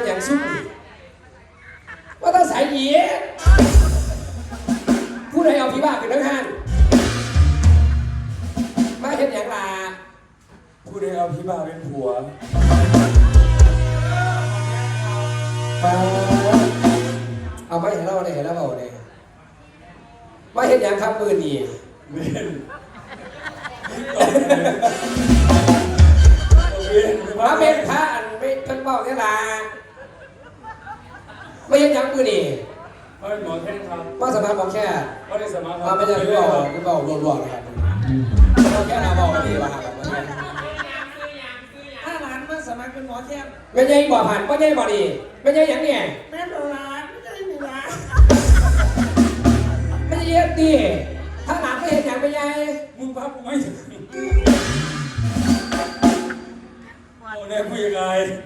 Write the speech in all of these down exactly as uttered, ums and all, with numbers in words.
อย่างซุ่มว่าต้องใส่เหี้ยผู้ใดเอาพี่บ้าเป็นนักฮันมาเห็นอย่างลาผู้ใดเอาพี่บ้าเป็นผัวเอาไม่เห็นเราเนี่ยเห็นแล้วเปล่าเนี่ยมาเห็นอย่างครับมือนี่มาเป็นพระอันไม่เป็นเบาเนี่ยละไม่เห็นอย่างมือนี่มาเป็นหมอแค่ครับมาสมัครหมอแค่มาได้สมัครมาไม่ใช่พี่บอกพี่บอกรวมๆนะครับหมอแค่เราบอกกันดีว่าถ้าหลานมาสมัครเป็นหมอแค่ไม่ใช่บ่อผ่านไม่ใช่บ่อดีไม่ใช่อย่างเนี่ยแม่โบราณไม่ใช่มีร้านไม่ใช่เย็ดดีถ้าหลานไม่เห็นอย่างไม่ใช่มึงพักกูไม่ถึงโอ้เนี่ยคุยยังไง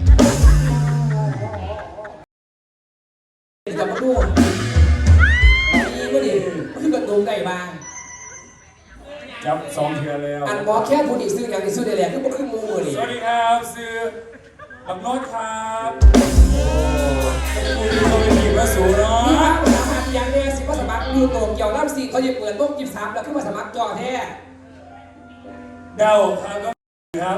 จะมาดูนี่ก็ดีคือกระตุ้งได้บ้างจับสองเทือแล้วอันหมอแค่พูดอีกซื้ออย่างอีกซื้อได้แหละคือบ่คือมูมือนี่สวัสดีครับซื้อบักโน้ตครับโอ้คุณดูตัวเป็นหญิงมาสูเนาะมีภาพสามารถอย่างแน่สิว่าสมัครอยู่โตเกี่ยวล่ำสีเขาจะเปิดโต๊ะจิบสามแล้วคือว่าสมัครจอแท้เดาครับก็ครับ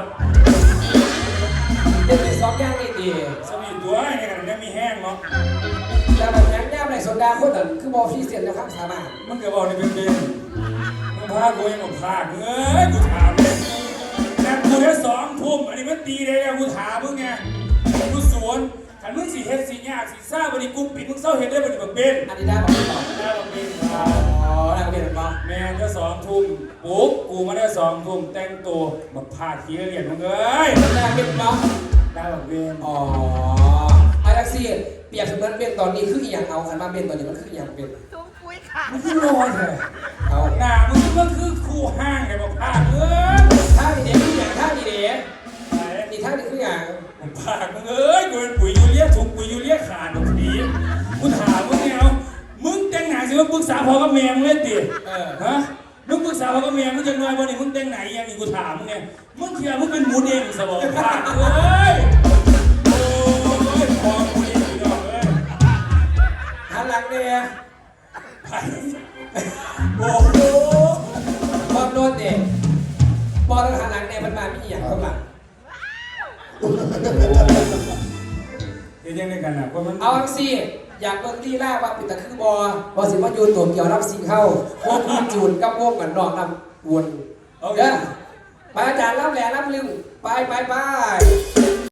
เด็กเป็นสองอย่างนี่ดีสมีตัวไงกันเนี่ยมีแห้งเนาะแต่แบบยังย่ำในโซดาคนนั้นคือบอฟี่เสียนนะครับสามารถมันก็บอกในเป็นเป็นมึงพากูยังกับพาเอ้ยกูถามเลยแต่กูได้สองทุ่มอันนี้มันตีเลยกูถามมึงไงกูสวนขันมึงสีเฮ็ดสียากสีซ่าวันนี้กูปิดมึงเศร้าเฮ็ดได้วันนี้แบบเป็นอันนี้ได้บอกไม่บอกได้แบบเป็นอ๋อได้เป็นหรือเปล่าแม่ได้สองทุ่มปุ๊บกูมาได้สองทุ่มแต่งตัวแบบพาทีละเรียนมึงเอ้ยได้เป็นเนาะได้แบบเป็นอ๋อไอแท็กซี่เปรียบเสมือนเป็นตอนนี้คืออย่างเอาขันมาเป็นตอนนี้มันคืออย่างเป็นทุ่งปุ้ยค่ะมันคือนอนเลยเอาหน้ามึงมันคือคู่ห้างไงบอกพาเอ้ยท่าดีเด็กคืออย่างท่าดีเด็กนี่ท่าดีคืออย่างผมพามึงเอ้ยกูเป็นปุ๋ยยูเรียถุงปุ๋ยยูเรียขาดตรงนี้กูถามมึงไงเอามึงแต่งหน้าสิว่าปรึกษาพ่อกับแม่มึงเล่นดิฮะมึงปรึกษาพ่อกับแม่มึงจะนอนวันนี้มึงแต่งไหนยังอีกกูถามมึงไงมึงเชื่อมึงเป็นหมูเด้งสมองพาเอ้ยโอ้ยพอกูเองอีกดอกเอ้ยหันหลังเนี่ยโอ้โหบอลโดนเด็กบอลหันหลังเนี่ยมันมามีอย่างข้างหลังเดี๋ยวยังไงกันนะเพราะมันเอาสิอยากเบิ่งที่แรกว่าปิดตะคือบอบอสิมายูนตัวเกี่ยวรับสีเข้าโค้งมีจูนกับโค้งกันนอกนำวนเด้อไปอาจารย์รับแหล่รับลึงไปไปไป